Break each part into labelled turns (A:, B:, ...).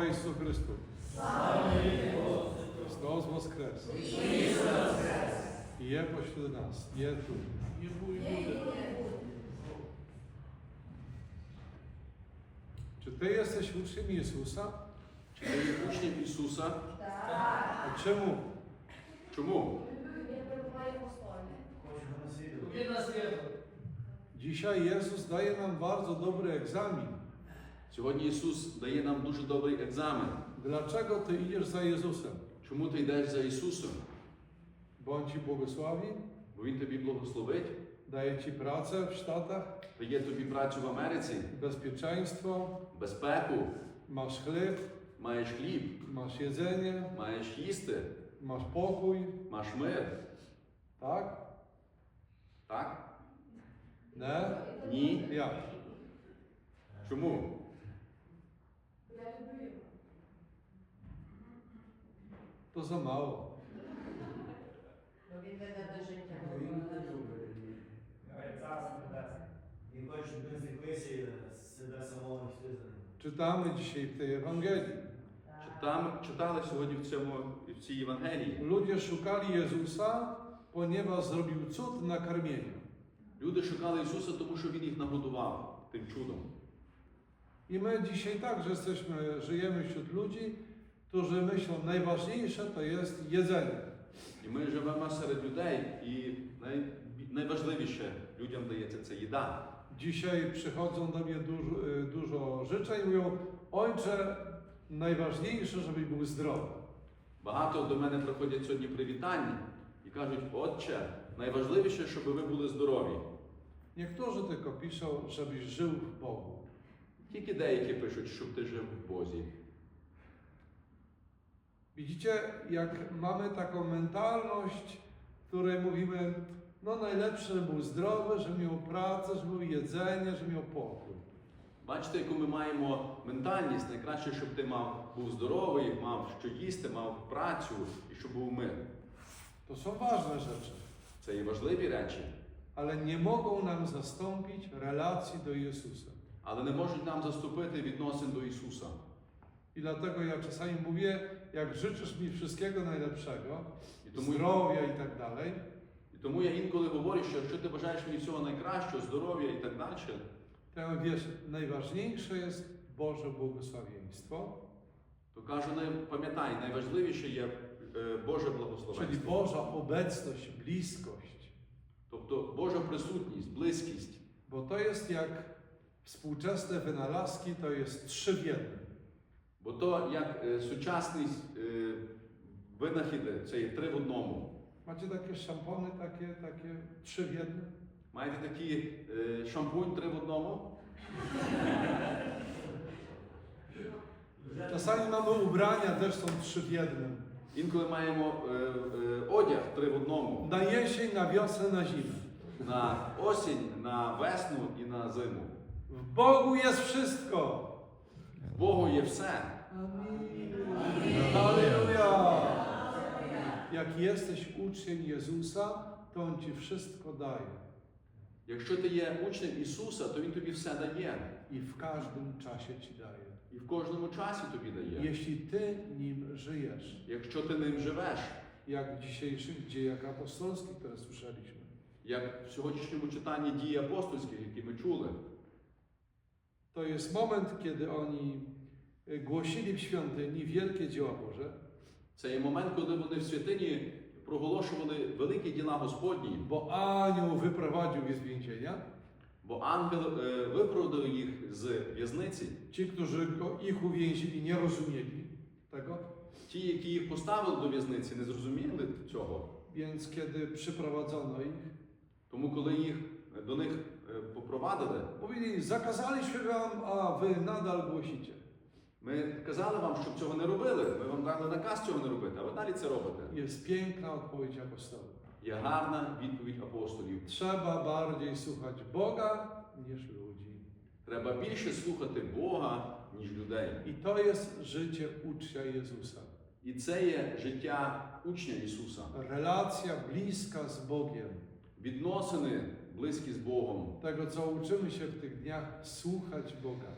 A: Ісусу Христу! Христос Воскрес! Є поśród нас, є тут. Czy Ty jesteś uczniem Jezusa?
B: Чи ти є учнем Ісуса?
A: A czemu?
B: Чому?
A: Dzisiaj Jezus daje nam bardzo dobry egzamin.
B: Сьогодні Ісус дає нам дуже добрий екзамен.
A: Dlaczego Ty idziesz za Jezusem?
B: Чому ти йдеш за Ісусом?
A: Bo On Ci błogosławi,
B: Бо Він тобі благословить,
A: daje Ci pracę w Stanach,
B: дає тобі працю в Америці,
A: bezpieczeństwo,
B: безпеку,
A: masz chleb,
B: маєш хліб,
A: masz jedzenie,
B: маєш їсти,
A: masz pokój,
B: маєш мир.
A: tak?
B: Так?
A: Nie?
B: Ні.
A: Jak?
B: Чому?
A: To za mało.
C: Він веде до життя.
D: І хоче, щоб він зліпився себе самого хтизаного.
A: Czytamy dzisiaj w tej Ewangelii.
B: Читали сьогодні в цій Євангелії.
A: Ludzie szukali Jezusa, ponieważ zrobił cud na karmieniu.
B: Люди шукали Ісуса, тому що Він їх нагодував тим чудом.
A: I my dzisiaj także żyjemy wśród ludzi, którzy myślą, najważniejsze to jest jedzenie.
B: І ми живемо серед людей, і найважливіше людям дається це їда.
A: Dzisiaj przychodzą do mnie dużo życzeń i mówią, ojcze, najważniejsze, żebyś był zdrowy.
B: Багато до мене приходять сьогодні привітання і кажуть, Отче, найважливіше, щоб ви були здорові.
A: Niektórzy tylko piszą, żebyś żył w Bogu.
B: Тільки деякі пишуть, щоб ти жив в Бозі.
A: Widzicie, jak mamy taką mentalność, w której mówimy, no najlepsze, żeby był zdrowy, żeby miał pracę, żeby miał jedzenie, żeby miał pokój.
B: Бачите, яку ми маємо ментальність, найкраще, щоб ти був здоровий, мав що їсти, мав працю і щоб був мир.
A: To są ważne rzeczy,
B: Це є важливі речі,
A: ale nie mogą nam zastąpić relacji do Jezusa.
B: але не можуть нам заступити відносин до Ісуса.
A: I dlatego ja czasami mówię, jak życzysz mi wszystkiego najlepszego,
B: I to mój-
A: zdrowia i tak dalej,
B: І тому я інколи говорю, що якщо ти бажаєш мені всього найкращого, здоров'я і так далі,
A: to ja mówię, wiesz, najważniejsze jest Boże błogosławieństwo,
B: то кажу, пам'ятай, найважливіше є Боже
A: czyli
B: благословенство.
A: Boża obecność, bliskość.
B: Тобто Божа присутність, близькість.
A: Bo to jest jak współczesne wynalazki, to jest 3 w 1.
B: Бо то, як сучасні винахіди, це є 3 в одному.
A: Macie takie szampony, takie 3 w 1?
B: Маєте такий шампунь 3 в одному?
A: Czasami mamy ubrania, też są 3 w 1.
B: Інколи маємо одяг 3 в одному.
A: Na jesień, na wiosnę, na zimę.
B: На осінь, на весну і на зиму.
A: W Bogu jest wszystko.
B: В Богу є все.
A: Halleluja! Jak jesteś uczniem Jezusa, to On Ci wszystko daje.
B: Якщо ти є учнем Ісуса, то Він тобі все дає.
A: I w każdym czasie Ci daje.
B: І в кожному часі тобі дає.
A: Jeśli Ty nim żyjesz.
B: Якщо ти ним живеш,
A: Jak w dzisiejszych dziejach apostolskich, które słyszeliśmy.
B: як в сьогоднішньому читанні дій апостольських, які ми чули,
A: To jest moment, kiedy oni głosili w świątyni wielkie dzieła Boże,
B: це є момент, коли вони в святині проголошували великі діла Господні,
A: bo anioł wyprowadził je z więzienia.
B: бо ангел виправдав їх з в'язниці.
A: Ci, którzy ich uwięzili, nie rozumieli tego.
B: Ті, які їх поставили до в'язниці, не зрозуміли цього.
A: Więc kiedy przyprowadzono ich,
B: Тому коли їх до них попровадили,
A: mówili, zakazaliśmy wam, a wy nadal głosicie.
B: ми казали вам, щоб цього не робили. Ми вам дали наказ цього не робити, а ви далі це робите.
A: Jest piękna odpowiedź apostołów.
B: Є гарна відповідь апостолів.
A: Trzeba bardziej słuchać Boga niż ludzi.
B: Треба більше слухати Бога, ніж людей.
A: I to jest życie ucznia Jezusa.
B: І це є життя учня Ісуса.
A: Relacja bliska z Bogiem.
B: Відносини близькі з Богом.
A: Tego, co uczymy się w tych dniach, słuchać Boga.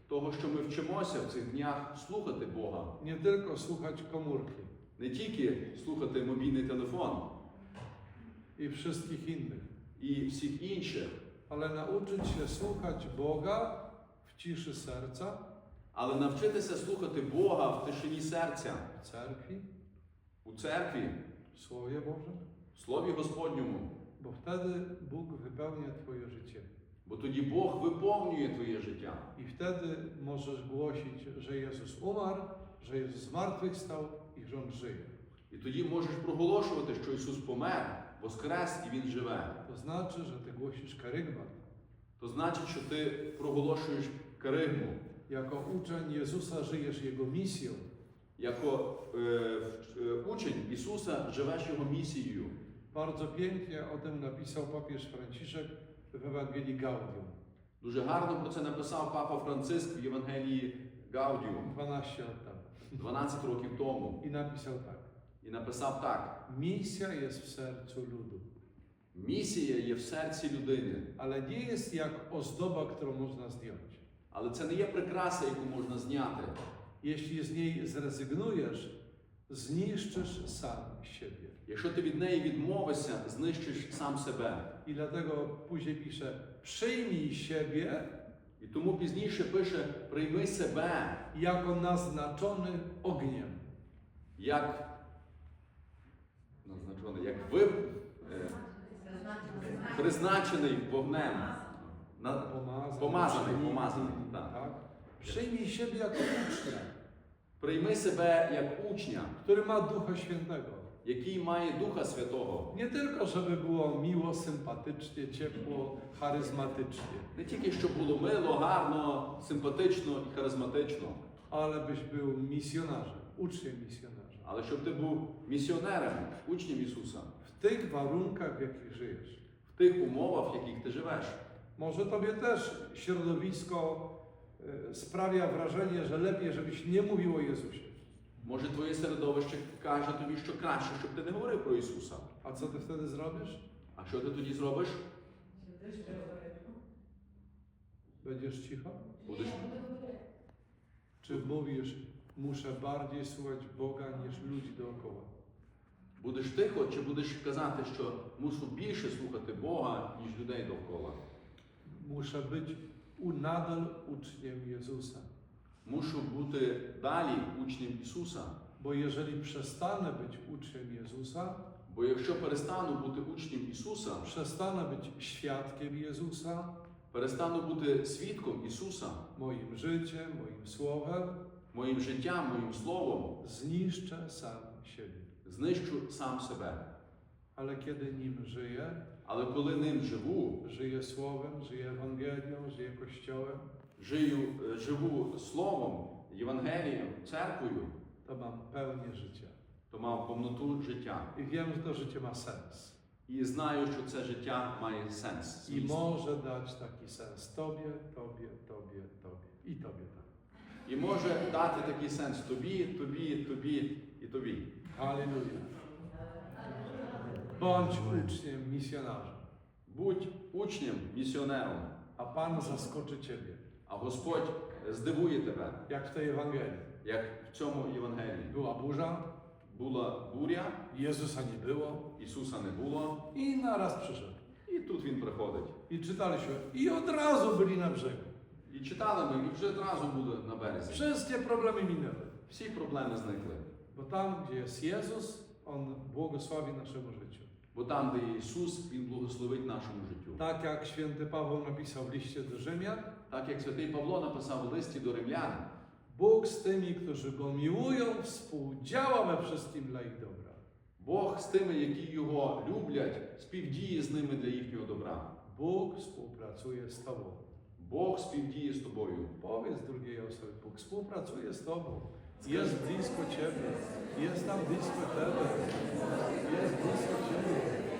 B: того, що ми вчимося в цих днях слухати Бога.
A: Nie tylko słuchać komórki
B: Не тільки слухати мобільний телефон
A: i wszystkich innych,
B: і всіх інших,
A: ale nauczyć się słuchać Boga w ciszy serca,
B: але навчитися слухати Бога в тишині серця,
A: w cerkwi,
B: у церкві,
A: w Słowie Bożym,
B: в Слові Господньому.
A: bo wtedy Bóg wypełnia Twoje życie.
B: Бо тоді Бог виповнює твоє життя.
A: I wtedy możesz głosić, że Jezus umarł, że Jezus zmartwychwstał i że On żyje.
B: І тоді можеш проголошувати, що Ісус помер, воскрес і Він живе.
A: To znaczy, że Ty głosisz kerygmat.
B: То значить, що ти проголошуєш керигму.
A: Jako uczeń Jezusa żyjesz Jego misją.
B: Як учень Ісуса живеш Його місією.
A: Bardzo pięknie o tym napisał papież Franciszek w Ewangelii Gaudium
B: Дуже гарно про це написав Папа Франциск в Євангелії Гаудіум
A: 12 lat temu.
B: 12 rokів тому.
A: I napisał tak.
B: І написав так:
A: Misja jest w sercu ludu,
B: місія є в серці людини,
A: ale nie jest jak ozdoba, którą można zdjąć.
B: але це не є прикраса, яку можна zняти.
A: Jeśli z niej zrezygnujesz, zniszczysz sam siebie.
B: Якщо ти від неї відмовишся, знищиш сам себе.
A: I dlatego później pisze, przyjmij siebie
B: І тому пізніше пише: прийми себе
A: jako naznaczony ogniem.
B: як назначений, як призначений вогнем. Помазаний, так.
A: Tak? Przyjmij siebie jako ucznia,
B: Прийми себе як учня,
A: który ma Ducha Świętego.
B: який має Духа Святого.
A: Nie tylko, żeby było miło, sympatycznie, ciepło, charyzmatycznie,
B: Не тільки щоб було мило, гарно, симпатично і харизматично,
A: ale byś był misjonarzem, uczniem misjonarzem.
B: але щоб ти був місіонером, учнем Ісуса
A: W tych warunkach, w jakich żyjesz.
B: в тих умовах, в яких ти живеш.
A: Może tobie też środowisko sprawia wrażenie, że lepiej, żebyś nie mówił o Jezusie.
B: Може, твоє середовище каже тобі, що краще, щоб ти не говорив про Ісуса.
A: A co ty wtedy zrobisz?
B: А що ти тоді зробиш?
A: Będziesz cicho?
B: Будеш,
A: Czy mówisz, muszę bardziej słuchać Boga niż ludzi dookoła?
B: будеш тихо, чи будеш казати, що мушу більше слухати Бога, ніж людей довкола?
A: Muszę być nadal uczniem Jezusa.
B: Мушу бути далі учнем Ісуса.
A: Bo jeżeli przestanę być uczniem Jezusa,
B: Бо якщо перестану бути учнем Ісуса,
A: przestanę być świadkiem Jezusa,
B: перестану бути свідком Ісуса,
A: moim życiem, moim słowem,
B: моїм життям, моїм словом,
A: zniszczę sam siebie.
B: знищу сам себе.
A: Ale kiedy nim żyję,
B: Але коли ним живу,
A: żyję słowem, żyję Ewangelią, żyję Kościołem,
B: живу словом, Євангелієм, церквою,
A: to mam pełnię życia.
B: то мав повноту життя.
A: I wiem, że to życie ma sens.
B: І знаю, що це життя має сенс.
A: I
B: зміст.
A: może dać taki sens Tobie, Tobie, Tobie, Tobie i Tobie tak.
B: І може дати такий сенс тобі, тобі, тобі і тобі.
A: Halleluja. Bądź uczniem, misjonarzem,
B: Будь учнем, місіонером,
A: a Pan zaskoczy Ciebie,
B: а Господь здивує тебе,
A: jak w tej Ewangelii.
B: як в цьому Євангелії.
A: Była burza,
B: Була буря,
A: Jezusa nie było
B: Ісуса не було,
A: i naraz przyszedł.
B: і тут Він приходить.
A: I czytaliśmy, i od razu byli na brzegu.
B: І читали ми, і вже одразу були на березі.
A: Wszystkie problemy minęły.
B: Всі проблеми зникли.
A: Bo tam, gdzie jest Jezus, On błogosławi naszemu życiu.
B: Бо там, де є Ісус, Він благословить нашому життю.
A: Tak jak święty Paweł napisał w liście do Rzymian,
B: Так як святий Павло написав у листі до римлян,
A: Bóg z tymi, którzy Go miłują, współdziała we wszystkim dla ich dobra.
B: Бог з тими, які Його люблять, співдіє з ними для їхнього добра.
A: Bóg współpracuje z Tobą.
B: Бог співдіє з тобою.
A: Powiedz drugiej osobie, Bóg współpracuje z Tobą. Jest blisko Ciebie. Jest tam blisko Ciebie. Jest blisko Ciebie.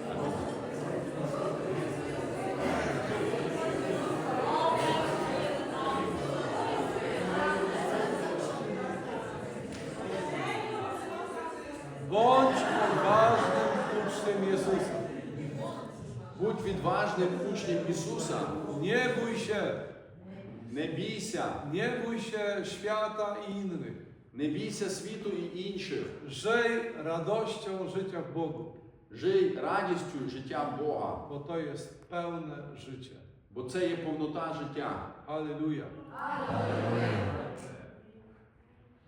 A: Bądź odważnym uczniem Jezusa.
B: Будь відважним учнем Ісуса.
A: Nie bój się.
B: Не бійся,
A: Nie bój się świata i innych.
B: не бійся світу і інших.
A: Żyj radością życia w Bogu,
B: Жий радістю життя Бога,
A: bo to jest pełne życie.
B: бо це є повнота життя.
A: Alleluja.
C: Алілуя.